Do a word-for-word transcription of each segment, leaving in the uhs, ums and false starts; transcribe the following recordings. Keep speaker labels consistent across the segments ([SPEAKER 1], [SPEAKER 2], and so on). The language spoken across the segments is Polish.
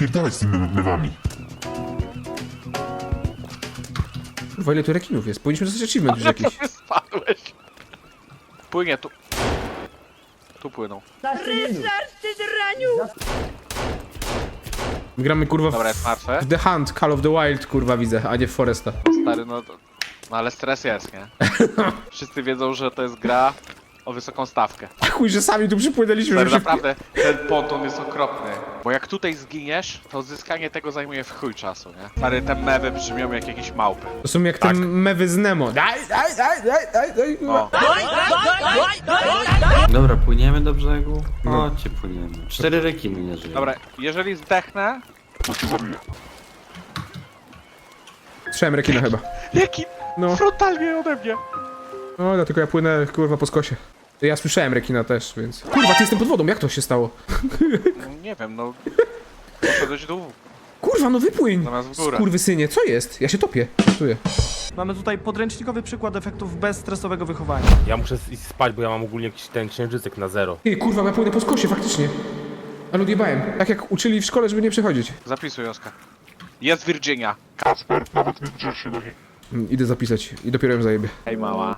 [SPEAKER 1] spierdalać z tymi mewami.
[SPEAKER 2] Kurwa, ile tu rekinów jest? Powinniśmy dostać achievement już jakiś.
[SPEAKER 3] Ty spadłeś. Płynie tu. Tu płyną.
[SPEAKER 2] My gramy kurwa
[SPEAKER 3] Dobra, jest
[SPEAKER 2] w,
[SPEAKER 3] martwe.
[SPEAKER 2] w The Hunt, Call of the Wild kurwa widzę, a nie w Foresta.
[SPEAKER 3] Stary, no, to, no ale stres jest, nie? Wszyscy wiedzą, że to jest gra o wysoką stawkę.
[SPEAKER 2] Chuj, że sami tu przypłynęliśmy,
[SPEAKER 3] Stary,
[SPEAKER 2] żeby się...
[SPEAKER 3] naprawdę, ten ponton jest okropny. Bo jak tutaj zginiesz, to odzyskanie tego zajmuje w chuj czasu, nie? Stary, te mewy brzmią jak jakieś małpy.
[SPEAKER 2] To są jak te
[SPEAKER 3] Tak.
[SPEAKER 2] mewy z Nemo. Daj, daj, daj, daj, daj, daj.
[SPEAKER 3] O,
[SPEAKER 4] Dobra, płyniemy do brzegu?
[SPEAKER 2] No.
[SPEAKER 4] Chodźcie, płyniemy. Cztery rekiny nie żyją.
[SPEAKER 3] dobra, jeżeli zdechnę...
[SPEAKER 1] To cię zabiję.
[SPEAKER 2] Strzałem rekina chyba.
[SPEAKER 3] Jaki
[SPEAKER 2] No,
[SPEAKER 3] frontalnie ode mnie!
[SPEAKER 2] no dlatego ja płynę kurwa po skosie. Ja słyszałem rekina też, więc... Kurwa, ty jestem pod wodą, jak to się stało?
[SPEAKER 3] No, nie wiem, no... Poszedłeś w dół,
[SPEAKER 2] Kurwa, no wypłyń!
[SPEAKER 3] zamiast w górę.
[SPEAKER 2] Kurwysynie, co jest? Ja się topię. Czuję.
[SPEAKER 5] Mamy tutaj podręcznikowy przykład efektów bezstresowego wychowania.
[SPEAKER 6] Ja muszę iść spać, bo ja mam ogólnie jakiś ten księżycek na zero.
[SPEAKER 2] Ty, kurwa, ja płynę po skosie, faktycznie. Ale odjebałem. Tak jak uczyli w szkole, żeby nie przechodzić.
[SPEAKER 3] Zapisuj, Oskar. Jest Virginia.
[SPEAKER 1] Kacper, nawet nie drze się do niej.
[SPEAKER 2] Mm, Idę zapisać i dopiero ją zajebie.
[SPEAKER 3] Hej, mała.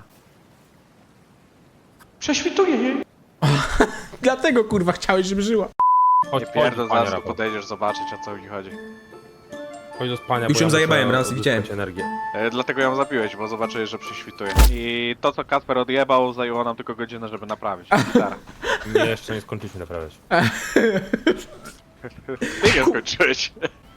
[SPEAKER 3] Prześwituję jej.
[SPEAKER 2] Dlatego, kurwa, chciałeś, żeby żyła.
[SPEAKER 6] Chodź,
[SPEAKER 3] Nie
[SPEAKER 6] chodź,
[SPEAKER 3] pierdol,
[SPEAKER 6] panie
[SPEAKER 3] zaraz tu
[SPEAKER 6] Rafał.
[SPEAKER 3] podejdziesz zobaczyć, o co mi chodzi.
[SPEAKER 6] Chodź do spania,
[SPEAKER 2] Już
[SPEAKER 6] bo
[SPEAKER 2] ją
[SPEAKER 6] ja
[SPEAKER 2] zajebałem
[SPEAKER 6] muszę
[SPEAKER 2] raz,
[SPEAKER 6] odzyskać
[SPEAKER 2] widziałem.
[SPEAKER 6] energię.
[SPEAKER 3] E, dlatego ją zabiłeś, bo zobaczyłeś, że prześwituje. I to, co Kacper odjebał, zajęło nam tylko godzinę, żeby naprawić. Gitara.
[SPEAKER 6] Nie, jeszcze nie skończyliśmy naprawiać.
[SPEAKER 3] Ty nie skończyłeś.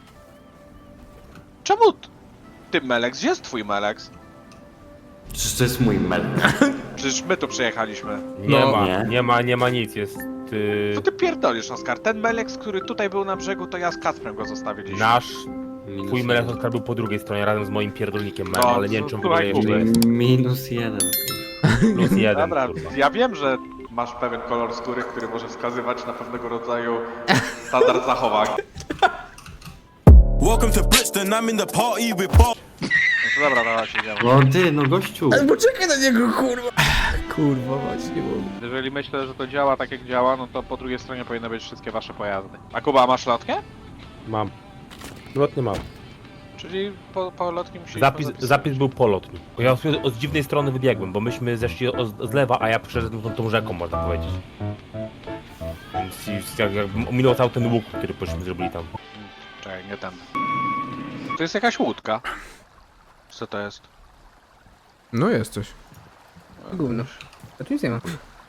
[SPEAKER 3] Czemu t- ty, Melex? Gdzie jest twój Melex?
[SPEAKER 4] Przecież to jest mój mel.
[SPEAKER 3] Przecież my tu przyjechaliśmy.
[SPEAKER 6] Nie
[SPEAKER 2] No,
[SPEAKER 6] ma,
[SPEAKER 4] nie.
[SPEAKER 6] nie. ma, nie ma nic, jest... Yy,
[SPEAKER 3] Co ty pierdolisz, Oskar? Ten Melex, który tutaj był na brzegu, to ja z Kacprem go zostawiliśmy.
[SPEAKER 6] nasz...
[SPEAKER 4] Minus
[SPEAKER 6] Twój
[SPEAKER 4] jeden.
[SPEAKER 6] Melek Oskar był po drugiej stronie razem z moim pierdolnikiem
[SPEAKER 3] No,
[SPEAKER 6] mem, ale nie wiem czy on w ogóle
[SPEAKER 3] słuchaj,
[SPEAKER 6] jeszcze jest.
[SPEAKER 4] Minus jeden.
[SPEAKER 6] Plus jeden,
[SPEAKER 3] Dobra,
[SPEAKER 6] kurwa.
[SPEAKER 3] ja wiem, że masz pewien kolor skóry, który może wskazywać na pewnego rodzaju standard zachowań.
[SPEAKER 7] Welcome to Brixton, I'm in the party with Bob.
[SPEAKER 3] No to dobra, dawaj, idziemy.
[SPEAKER 4] No ty, no gościu.
[SPEAKER 2] Ale poczekaj na niego, kurwa. Kurwa, właśnie, bo...
[SPEAKER 3] Jeżeli myślę, że to działa tak jak działa, no to po drugiej stronie powinny być wszystkie wasze pojazdy. A Kuba, masz lotkę?
[SPEAKER 6] Mam. Lotnie mam.
[SPEAKER 3] Czyli po, po lotni musieliśmy
[SPEAKER 6] Zapis,
[SPEAKER 3] zapisać.
[SPEAKER 6] zapis był polotni. Bo ja sobie od dziwnej strony wybiegłem, bo myśmy zeszli o, z lewa, a ja przeszedłem tą, tą rzeką, można powiedzieć. Więc już jak, jak minął cały ten łuk, który pośmy zrobili tam.
[SPEAKER 3] Czekaj, nie ten. To jest jakaś łódka. Co to jest?
[SPEAKER 2] No jest coś. Gówno. A tu nic nie ma.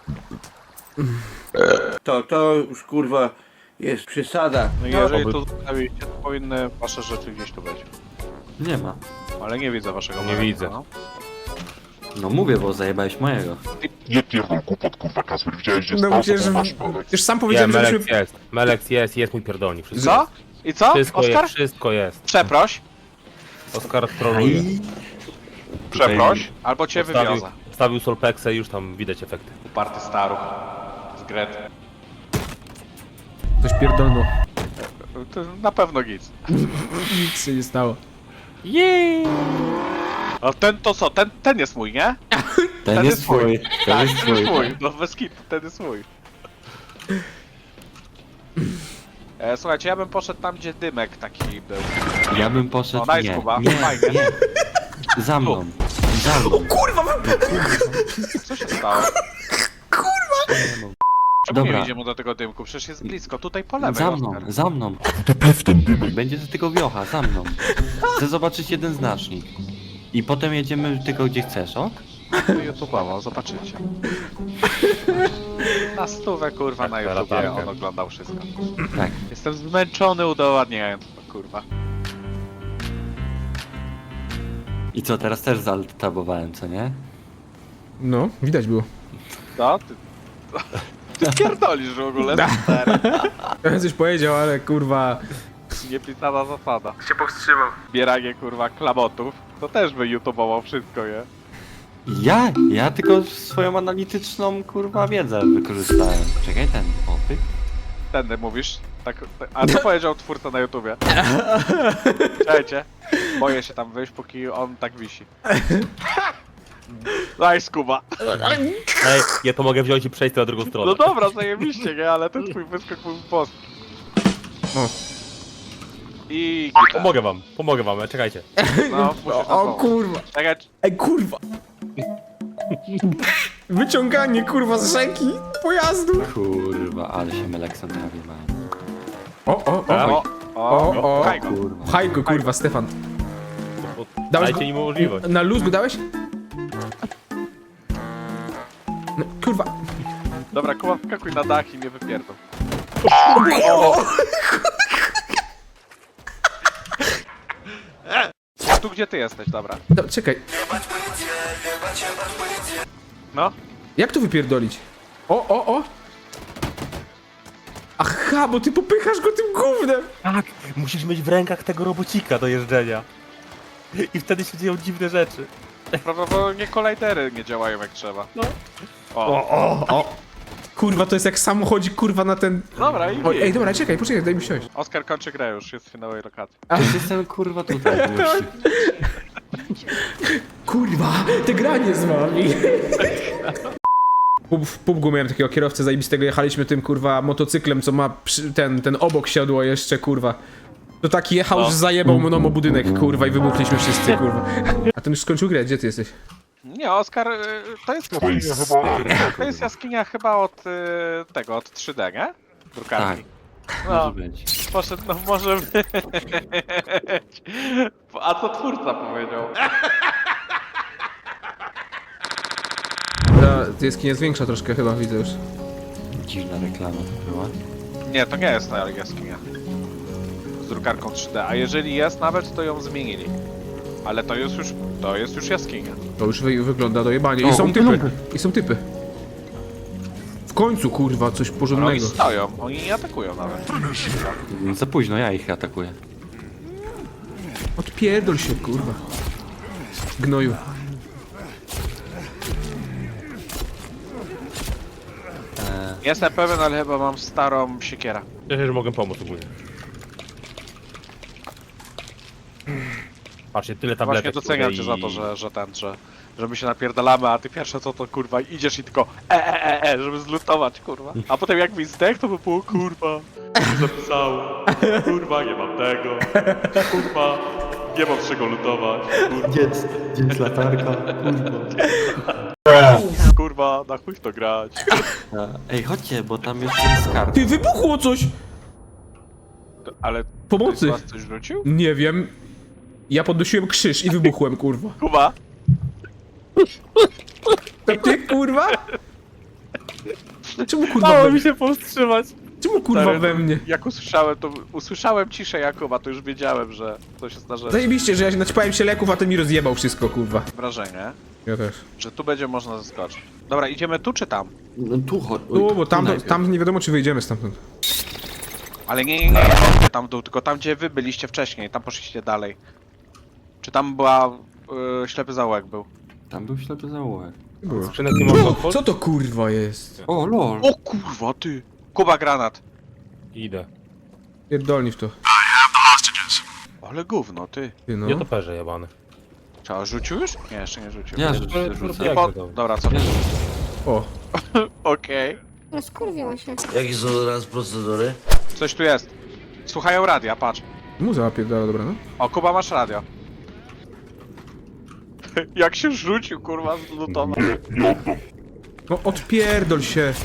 [SPEAKER 8] To, to już kurwa jest przesada.
[SPEAKER 3] No i jeżeli
[SPEAKER 6] oby-
[SPEAKER 3] tu zostawiliście, to powinny wasze rzeczy gdzieś tu być.
[SPEAKER 4] Nie ma.
[SPEAKER 3] Ale nie widzę waszego
[SPEAKER 6] Nie
[SPEAKER 3] Melexa,
[SPEAKER 6] widzę.
[SPEAKER 3] No.
[SPEAKER 4] No mówię, bo zajebałeś mojego.
[SPEAKER 1] Nie pierdol głupot, kurwa, Kacper. Widziałeś, gdzie
[SPEAKER 2] No
[SPEAKER 1] stał,
[SPEAKER 2] przecież...
[SPEAKER 1] to masz Melek.
[SPEAKER 2] Już sam
[SPEAKER 6] Nie,
[SPEAKER 2] powiedziałem,
[SPEAKER 6] Melex
[SPEAKER 2] żebyśmy...
[SPEAKER 6] jest. Melex jest, jest mój pierdolnik. Wszystko,
[SPEAKER 3] Co? I co?
[SPEAKER 6] wszystko
[SPEAKER 3] Oskar?
[SPEAKER 6] jest, wszystko jest.
[SPEAKER 3] Przeproś.
[SPEAKER 6] Oskar troluje.
[SPEAKER 3] Przeproś. Albo cię
[SPEAKER 6] Wstawił,
[SPEAKER 3] wywiozę.
[SPEAKER 6] wstawił Solpexę i już tam widać efekty.
[SPEAKER 3] Uparty staruch. Z Gret.
[SPEAKER 2] Coś pierdolno.
[SPEAKER 3] To na pewno nic.
[SPEAKER 2] Nic się nie stało.
[SPEAKER 6] Jej!
[SPEAKER 3] A ten to co? Ten, ten jest mój, nie?
[SPEAKER 4] Ten,
[SPEAKER 3] Ten
[SPEAKER 4] jest
[SPEAKER 3] jest twój.
[SPEAKER 4] twój. Ten
[SPEAKER 3] Tak,
[SPEAKER 4] jest
[SPEAKER 3] ten jest
[SPEAKER 4] twój.
[SPEAKER 3] mój. No bez kitu, ten jest mój. E, słuchajcie, ja bym poszedł tam, gdzie dymek taki był.
[SPEAKER 4] Ja bym poszedł.
[SPEAKER 3] O, nice,
[SPEAKER 4] nie,
[SPEAKER 3] Kuba.
[SPEAKER 4] nie,
[SPEAKER 3] Fajnie.
[SPEAKER 4] nie. Za mną. Za mną.
[SPEAKER 3] Co się stało? Czemu
[SPEAKER 4] Dobra.
[SPEAKER 3] nie idziemy do tego dymku? Przecież jest blisko, tutaj po lewej,
[SPEAKER 4] Za mną,
[SPEAKER 3] Oskar.
[SPEAKER 4] za mną.
[SPEAKER 1] To pewien dymek.
[SPEAKER 4] Będzie to tylko wiocha, za mną. Chcę zobaczyć jeden znacznik. I potem jedziemy tylko gdzie chcesz, o?
[SPEAKER 3] YouTube'owo, zobaczycie. Na stówę, kurwa, na
[SPEAKER 6] Tak,
[SPEAKER 3] YouTubie
[SPEAKER 6] latarkę.
[SPEAKER 3] on oglądał wszystko.
[SPEAKER 4] Tak.
[SPEAKER 3] Jestem zmęczony udowadniając to, kurwa.
[SPEAKER 4] I co, teraz też zaltabowałem, co nie?
[SPEAKER 2] No, widać było.
[SPEAKER 3] Co? Ty... Ty pierdolisz w ogóle, stary.
[SPEAKER 2] Ja coś powiedział, ale kurwa...
[SPEAKER 3] Niepisana zasada. Się powstrzymał. Zbieranie, kurwa, klamotów. To też by YouTube'owo wszystko, nie?
[SPEAKER 4] Ja? Ja tylko swoją analityczną, kurwa, wiedzę wykorzystałem. Czekaj, ten, o, pyk.
[SPEAKER 3] Tędy mówisz. Tak, tak. A co powiedział twórca na YouTubie? Czekajcie. Boję się tam wyjść, póki on tak wisi. Daj, Skuba.
[SPEAKER 6] Ej, ja to mogę wziąć i przejść na drugą stronę.
[SPEAKER 3] No dobra, zajebiście, nie? Ale ten twój wyskok był boski.
[SPEAKER 2] O.
[SPEAKER 3] I gita.
[SPEAKER 6] Pomogę wam, pomogę wam, czekajcie.
[SPEAKER 3] No, musisz na
[SPEAKER 2] O
[SPEAKER 3] pomoc.
[SPEAKER 2] kurwa.
[SPEAKER 3] Czekaj,
[SPEAKER 2] Ej, kurwa. Wyciąganie, kurwa, z rzeki pojazdu.
[SPEAKER 4] Kurwa, ale się Melekson prawie ma.
[SPEAKER 2] O, o, o.
[SPEAKER 3] o, o,
[SPEAKER 2] O, o.
[SPEAKER 3] pchaj go.
[SPEAKER 4] Kurwa.
[SPEAKER 2] Pchaj go, kurwa, Stefan. Dałeś
[SPEAKER 6] Dajcie
[SPEAKER 2] go-
[SPEAKER 6] im możliwość.
[SPEAKER 2] Na luz go dałeś? No, kurwa.
[SPEAKER 3] Dobra, Kuba, wskakuj na dach i mnie wypierdol. A tu gdzie ty jesteś, dobra.
[SPEAKER 2] No, czekaj.
[SPEAKER 3] No,
[SPEAKER 2] Jak to wypierdolić? O, o, o. Aha, bo ty popychasz go tym gównem.
[SPEAKER 6] Tak, musisz mieć w rękach tego robocika do jeżdżenia. I wtedy się dzieją dziwne rzeczy.
[SPEAKER 3] prawdopodobnie kolajdery nie działają jak trzeba.
[SPEAKER 6] No.
[SPEAKER 3] O,
[SPEAKER 2] O, o. Kurwa, to jest jak samochodzik, kurwa, na ten...
[SPEAKER 3] dobra i
[SPEAKER 2] O, ej, dobra, czekaj, poczekaj, daj mi siąść.
[SPEAKER 3] Oskar kończy grę już, jest w finałowej lokacji.
[SPEAKER 4] Już jestem kurwa tutaj. gościu.
[SPEAKER 2] Kurwa, te granie z wami. Pub, w Pubgu miałem takiego kierowcę zajebistego, jechaliśmy tym, kurwa, motocyklem, co ma przy, ten, ten obok siodło jeszcze, kurwa. To taki jechał,
[SPEAKER 3] No.
[SPEAKER 2] że zajebał mną o budynek, kurwa, i wybuchliśmy wszyscy, kurwa. A ten już skończył grę, gdzie ty jesteś?
[SPEAKER 3] Nie, Oskar, y, to jest,
[SPEAKER 1] To jest chyba...
[SPEAKER 3] to jest jaskinia chyba od y, tego, od trzy D, nie? Drukarki.
[SPEAKER 4] Może
[SPEAKER 3] No,
[SPEAKER 4] być.
[SPEAKER 3] poszedł, no może być. A co twórca powiedział?
[SPEAKER 2] Ta, ta jaskinia jest większa troszkę chyba, widzę już.
[SPEAKER 4] Dziwna reklama to była.
[SPEAKER 3] Nie, to nie jest na jaskinia. Z drukarką trzy D, a jeżeli jest nawet, to ją zmienili. Ale to jest już, to jest już jaskinia.
[SPEAKER 2] To już wy, wygląda dojebanie. I
[SPEAKER 4] O,
[SPEAKER 2] są
[SPEAKER 4] umpy,
[SPEAKER 2] typy.
[SPEAKER 4] lumpy.
[SPEAKER 2] I są typy. W końcu, kurwa, coś
[SPEAKER 3] No, oni
[SPEAKER 2] porządnego.
[SPEAKER 3] stoją, oni nie atakują nawet.
[SPEAKER 4] No za późno, ja ich atakuję.
[SPEAKER 2] Odpierdol się, kurwa. Gnoju.
[SPEAKER 3] Jestem pewien, ale chyba mam starą siekierę.
[SPEAKER 6] Cieszę, że mogę pomóc ogólnie. Patrzcie, tyle tabletek.
[SPEAKER 3] Właśnie doceniam
[SPEAKER 6] kurde,
[SPEAKER 3] cię
[SPEAKER 6] i-
[SPEAKER 3] za to, że, że ten, że, że my się napierdalamy, a ty pierwsze co to kurwa idziesz i tylko e e e e, żeby zlutować kurwa. A potem jak mi zdech, to by było kurwa, nie zapisało, kurwa nie mam tego, kurwa nie mam z czego lutować, kurwa,
[SPEAKER 4] Dziec, dziec latarka, kurwa.
[SPEAKER 3] kurwa na chuj w to grać.
[SPEAKER 4] Ej, chodźcie, bo tam jeszcze jest skarb.
[SPEAKER 2] Ty, wybuchło coś!
[SPEAKER 3] Ale
[SPEAKER 2] Pomocy.
[SPEAKER 3] ktoś z was coś rzucił?
[SPEAKER 2] Nie wiem. Ja podnosiłem krzyż i wybuchłem, kurwa.
[SPEAKER 3] Kuba?
[SPEAKER 2] To ty, kurwa? Czemu kurwa
[SPEAKER 6] Dało
[SPEAKER 2] we
[SPEAKER 6] mi
[SPEAKER 2] mnie?
[SPEAKER 6] się powstrzymać.
[SPEAKER 2] Czemu kurwa
[SPEAKER 3] Stary,
[SPEAKER 2] we mnie?
[SPEAKER 3] Jak usłyszałem to, usłyszałem ciszę Jakuba, to już wiedziałem, że coś się zdarzyło.
[SPEAKER 2] Zajebiście, że ja się naćpałem się leków, a ten mi rozjebał wszystko, kurwa.
[SPEAKER 3] Wrażenie,
[SPEAKER 2] Ja też.
[SPEAKER 3] że tu będzie można zaskoczyć. Dobra, idziemy tu czy tam?
[SPEAKER 4] No tu chodź.
[SPEAKER 2] No, bo tam, tam nie wiadomo, czy wyjdziemy stamtąd.
[SPEAKER 3] Ale nie, nie, nie, nie tam w dół, tylko tam gdzie wy byliście wcześniej, tam poszliście dalej. Czy tam była y, ślepy zaułek był?
[SPEAKER 4] Tam był ślepy zaułek.
[SPEAKER 2] Było.
[SPEAKER 6] Skrzynek nie można otworzyć?
[SPEAKER 2] Co to kurwa jest?
[SPEAKER 4] O, lol.
[SPEAKER 3] O kurwa ty! Kuba granat!
[SPEAKER 6] Idę.
[SPEAKER 2] Pierdolni w to.
[SPEAKER 3] Ale gówno ty.
[SPEAKER 2] Ty no.
[SPEAKER 6] Nie to perze jebane.
[SPEAKER 3] Czy rzucił już? Nie, jeszcze nie rzucił.
[SPEAKER 4] Ja
[SPEAKER 6] to-
[SPEAKER 4] rzucę,
[SPEAKER 6] to-
[SPEAKER 4] rzucę.
[SPEAKER 6] Jak
[SPEAKER 3] Po...
[SPEAKER 6] to?
[SPEAKER 3] Dobra, co?
[SPEAKER 2] O.
[SPEAKER 3] Okej.
[SPEAKER 9] No skurwiła się.
[SPEAKER 8] Jakie są teraz procedury?
[SPEAKER 3] Coś tu jest. Słuchają radia, patrz.
[SPEAKER 2] Muza pierdala, dobra, no.
[SPEAKER 3] O, Kuba masz radio. Jak się rzucił kurwa z lutowa.
[SPEAKER 2] No odpierdol się.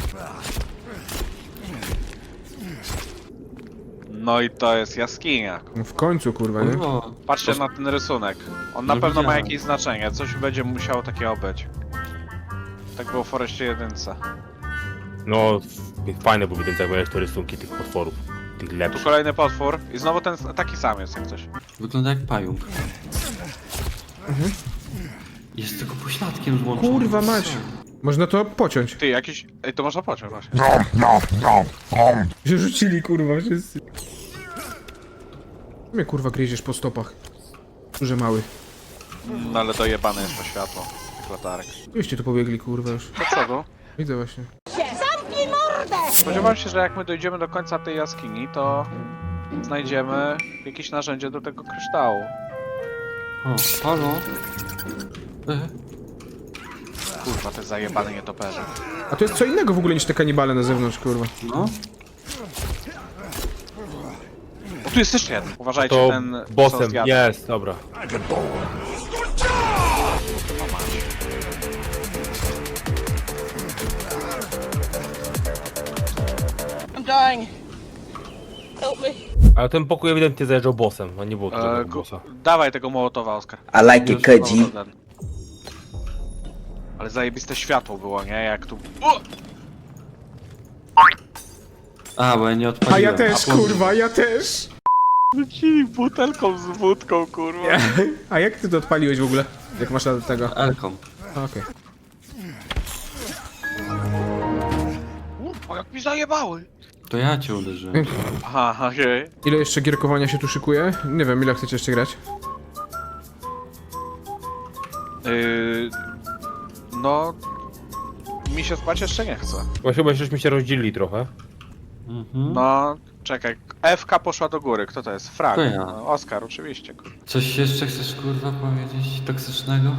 [SPEAKER 3] No i to jest jaskinia.
[SPEAKER 2] No w końcu, kurwa, nie?
[SPEAKER 4] Kurwa.
[SPEAKER 3] Patrzcie na ten rysunek. On na
[SPEAKER 4] No
[SPEAKER 3] pewno ma
[SPEAKER 4] widziałem.
[SPEAKER 3] jakieś znaczenie. Coś będzie musiało takiego być. Tak było w Forestie jedynce.
[SPEAKER 6] No, fajne były ten jak miałeś te rysunki tych potworów. Tych
[SPEAKER 3] Tu
[SPEAKER 6] lepszych.
[SPEAKER 3] kolejny potwór. I znowu ten taki sam jest jak coś.
[SPEAKER 4] Wygląda jak pająk. Jest tylko pośladkiem złączony.
[SPEAKER 2] Kurwa mać. Można to pociąć.
[SPEAKER 3] Ty, jakiś... Ej, to można pociąć właśnie.
[SPEAKER 2] Się rzucili, kurwa, wszyscy. Mnie kurwa gryziesz po stopach. Duże mały.
[SPEAKER 3] No ale dojebane jest to światło. Tych latarek.
[SPEAKER 2] Gdzieście tu pobiegli, kurwa, już.
[SPEAKER 3] Do przodu.
[SPEAKER 2] Widzę właśnie.
[SPEAKER 3] Spodziewałem się, że jak my dojdziemy do końca tej jaskini, to znajdziemy jakieś narzędzie do tego kryształu.
[SPEAKER 4] O, halo? E,
[SPEAKER 3] Kurwa, te zajebane nietoperze.
[SPEAKER 2] A to jest co innego w ogóle niż te kanibale na zewnątrz, kurwa.
[SPEAKER 4] no?
[SPEAKER 3] O, tu jest jeszcze jeden. Uważajcie,
[SPEAKER 6] To
[SPEAKER 3] ten co
[SPEAKER 6] bossem
[SPEAKER 3] zjada.
[SPEAKER 6] jest, dobra.
[SPEAKER 9] I'm dying. Help me.
[SPEAKER 6] Ale ten pokój ewidentnie zajeżdżał bossem, a nie było
[SPEAKER 3] E,
[SPEAKER 6] tego
[SPEAKER 3] gu-
[SPEAKER 6] bossa.
[SPEAKER 3] dawaj tego Mołotowa, Oskar.
[SPEAKER 8] I like it, Koji.
[SPEAKER 3] No, ten. Ale zajebiste światło było, nie? Jak tu... O!
[SPEAKER 4] A, bo ja nie odpaliłem.
[SPEAKER 2] A ja też,
[SPEAKER 4] po-
[SPEAKER 2] kurwa, ja też.
[SPEAKER 3] Rzucili butelką z wódką, kurwa.
[SPEAKER 2] A jak ty to odpaliłeś w ogóle? Jak masz na tego?
[SPEAKER 4] Elką.
[SPEAKER 2] A, okej.
[SPEAKER 3] O, jak mi zajebały!
[SPEAKER 4] To ja cię uderzyłem.
[SPEAKER 3] Aha, okej.
[SPEAKER 2] Ile jeszcze gierkowania się tu szykuje? Nie wiem, ile chcecie jeszcze grać?
[SPEAKER 3] Yy, no... Mi się spać jeszcze nie chce.
[SPEAKER 6] Właśnie chyba żeśmy się rozdzielili trochę.
[SPEAKER 4] Mhm.
[SPEAKER 3] No, czekaj. F K poszła do góry. Kto to jest? Frag.
[SPEAKER 4] To ja.
[SPEAKER 3] No, Oskar, oczywiście. kurwa.
[SPEAKER 4] Coś jeszcze chcesz kurwa powiedzieć toksycznego?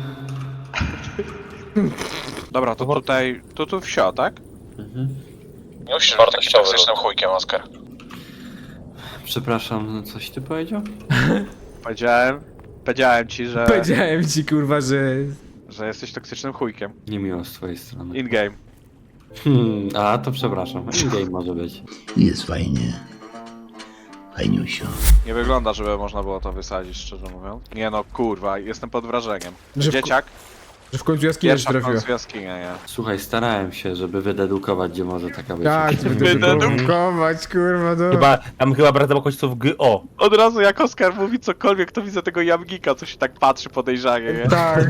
[SPEAKER 3] Dobra, to tutaj... Tu, tu wsio, tak?
[SPEAKER 4] Mhm.
[SPEAKER 3] Nie musisz być takim toksycznym chujkiem, Oskar.
[SPEAKER 4] Przepraszam, no coś ty powiedział?
[SPEAKER 3] Powiedziałem... Powiedziałem ci, że...
[SPEAKER 2] Powiedziałem ci, kurwa, że...
[SPEAKER 3] że jesteś toksycznym chujkiem.
[SPEAKER 4] Niemiło z twojej strony.
[SPEAKER 3] In-game.
[SPEAKER 4] Hmm, a to przepraszam. In-game może być.
[SPEAKER 8] Jest fajnie. Fajniusio.
[SPEAKER 3] Nie wygląda, żeby można było to wysadzić, szczerze mówiąc. Nie no, kurwa, jestem pod wrażeniem.
[SPEAKER 2] Że w,
[SPEAKER 3] Dzieciak,
[SPEAKER 2] że w końcu jaskinia się
[SPEAKER 3] pierwsza w
[SPEAKER 2] trafiła.
[SPEAKER 3] końcu jaskinia, nie?
[SPEAKER 4] Słuchaj, starałem się, żeby wydedukować, gdzie może taka być.
[SPEAKER 2] Tak,
[SPEAKER 3] Wydeduk-
[SPEAKER 2] wydedukować, kurwa, no.
[SPEAKER 6] Chyba, tam chyba brak końców G O.
[SPEAKER 3] Od razu jak Oskar mówi cokolwiek, to widzę tego jamgika, co się tak patrzy podejrzanie, nie?
[SPEAKER 2] Tak.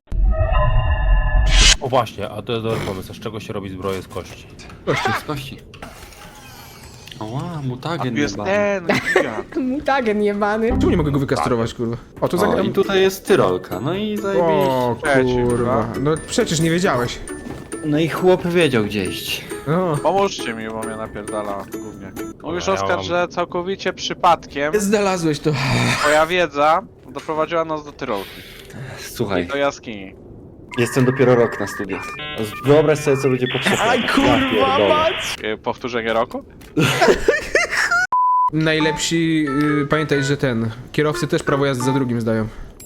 [SPEAKER 6] O właśnie, a to jest dobry pomysł. A z czego się robi zbroję z kości?
[SPEAKER 4] Z kości. Oła,
[SPEAKER 3] A
[SPEAKER 4] mutagen
[SPEAKER 3] tu jest
[SPEAKER 4] jebany.
[SPEAKER 3] ten gigant.
[SPEAKER 2] Mutagen jebany. Czemu nie mogę go wykastrować, kurwa? O, to
[SPEAKER 4] O,
[SPEAKER 2] zagram...
[SPEAKER 4] i tutaj jest tyrolka, no i zajebiście.
[SPEAKER 2] O,
[SPEAKER 3] Trzeci,
[SPEAKER 2] kurwa.
[SPEAKER 3] kurwa.
[SPEAKER 2] No przecież nie wiedziałeś.
[SPEAKER 4] No i chłop wiedział gdzie iść.
[SPEAKER 2] No.
[SPEAKER 3] Pomóżcie mi, bo mnie napierdala głównie. Mówisz,
[SPEAKER 6] ja
[SPEAKER 3] Oskar,
[SPEAKER 6] mam-
[SPEAKER 3] że całkowicie przypadkiem
[SPEAKER 2] Znalazłeś to.
[SPEAKER 3] twoja wiedza doprowadziła nas do Tyrolki.
[SPEAKER 4] Słuchaj,
[SPEAKER 3] Do jaskini.
[SPEAKER 4] jestem dopiero rok na studiach. Wyobraź sobie, co będzie potrzebne.
[SPEAKER 2] Aj, kurwa, mać!
[SPEAKER 3] Yy, Powtórzenie roku?
[SPEAKER 2] Najlepsi, yy, pamiętaj, że ten, kierowcy też prawo jazdy za drugim zdają.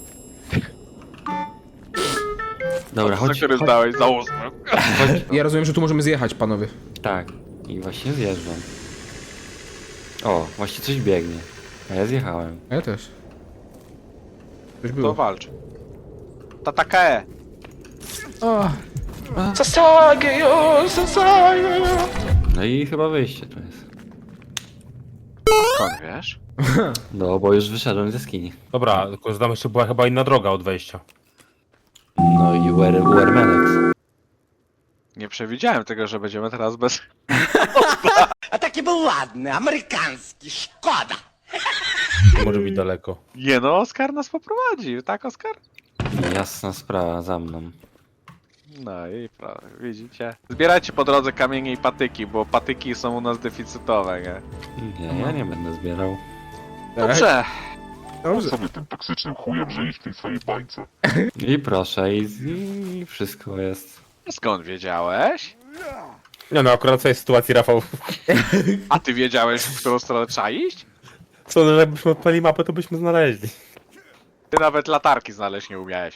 [SPEAKER 4] Dobra,
[SPEAKER 3] Za
[SPEAKER 4] chodź,
[SPEAKER 3] który
[SPEAKER 4] chodź,
[SPEAKER 3] zdałeś za ósmy.
[SPEAKER 4] chodź.
[SPEAKER 2] Ja rozumiem, że tu możemy zjechać, panowie.
[SPEAKER 4] Tak, i właśnie zjeżdżam. O, właśnie coś biegnie. A ja zjechałem.
[SPEAKER 2] A ja też. Coś
[SPEAKER 3] To
[SPEAKER 2] było.
[SPEAKER 3] walcz. Tatakae!
[SPEAKER 2] O,
[SPEAKER 9] Sasageyo, Sasageyo.
[SPEAKER 4] No i chyba wyjście tu jest.
[SPEAKER 3] Skąd wiesz?
[SPEAKER 4] No, bo już wyszedłem ze skini.
[SPEAKER 6] Dobra, tylko tam jeszcze była chyba inna droga od wejścia.
[SPEAKER 4] No i U R Menex.
[SPEAKER 3] Nie przewidziałem tego, że będziemy teraz bez...
[SPEAKER 8] A taki był ładny, amerykański, szkoda.
[SPEAKER 6] To może być daleko.
[SPEAKER 3] Nie no, Oskar nas poprowadzi, tak Oskar?
[SPEAKER 4] Jasna sprawa, za mną.
[SPEAKER 3] No i prawda, widzicie? Zbierajcie po drodze kamienie i patyki, bo patyki są u nas deficytowe, nie?
[SPEAKER 4] Nie, ja nie będę zbierał.
[SPEAKER 3] Dobrze.
[SPEAKER 2] dobrze.
[SPEAKER 1] Sobie tym toksycznym chujem żyjesz w tej swojej bańce.
[SPEAKER 4] I proszę, i, i wszystko jest.
[SPEAKER 3] Skąd wiedziałeś?
[SPEAKER 6] Nie no, akurat w tej sytuacji, Rafał.
[SPEAKER 3] A ty wiedziałeś, w którą stronę trzeba iść?
[SPEAKER 6] Co, no jakbyśmy odpali mapę, to byśmy znaleźli.
[SPEAKER 3] Ty nawet latarki znaleźć nie umiałeś.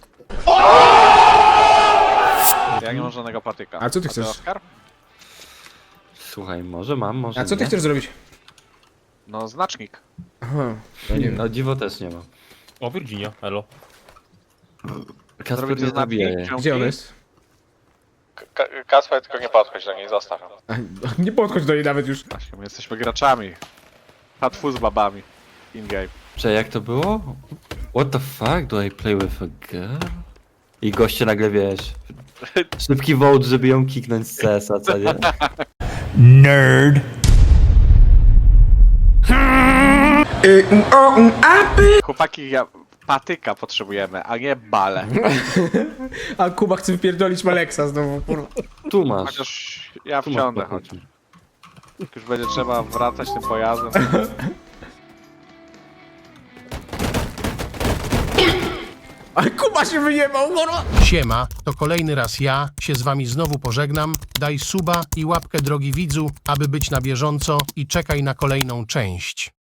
[SPEAKER 3] Ja nie mam żadnego patyka.
[SPEAKER 2] A co ty chcesz?
[SPEAKER 3] Oskar?
[SPEAKER 4] Słuchaj, może mam, może
[SPEAKER 2] A co ty
[SPEAKER 4] nie.
[SPEAKER 2] chcesz zrobić?
[SPEAKER 3] No, znacznik.
[SPEAKER 2] Aha, ja nie wiem.
[SPEAKER 4] No dziwo też nie ma.
[SPEAKER 6] O, Virginia, elo.
[SPEAKER 4] Kasper
[SPEAKER 3] Zrobicie
[SPEAKER 4] nie zabije.
[SPEAKER 3] znacznik?
[SPEAKER 2] Gdzie on jest?
[SPEAKER 3] K- Kasper, tylko nie podchodź do niej, zostaw ją.
[SPEAKER 2] A, nie podchodź do niej nawet już.
[SPEAKER 3] Właśnie, my jesteśmy graczami. Hatfu z babami. In-game.
[SPEAKER 4] Cze, jak to było? What the fuck? Do I play with a girl? I goście nagle, wiesz... Szybki vote, żeby ją kiknąć z C S a, co nie?
[SPEAKER 7] Nerd.
[SPEAKER 3] Chłopaki, ja... patyka potrzebujemy, a nie bale.
[SPEAKER 2] A Kuba chce wypierdolić Maleksa znowu, kurwa.
[SPEAKER 4] Tu masz.
[SPEAKER 3] Chociaż ja
[SPEAKER 4] Tu masz
[SPEAKER 3] wsiądę, choć
[SPEAKER 4] pokój.
[SPEAKER 3] już będzie trzeba wracać tym pojazdem.
[SPEAKER 2] Ale Kuba się wyjebał, kurwa!
[SPEAKER 10] Siema, to kolejny raz ja się z wami znowu pożegnam. Daj suba i łapkę drogi widzu, aby być na bieżąco i czekaj na kolejną część.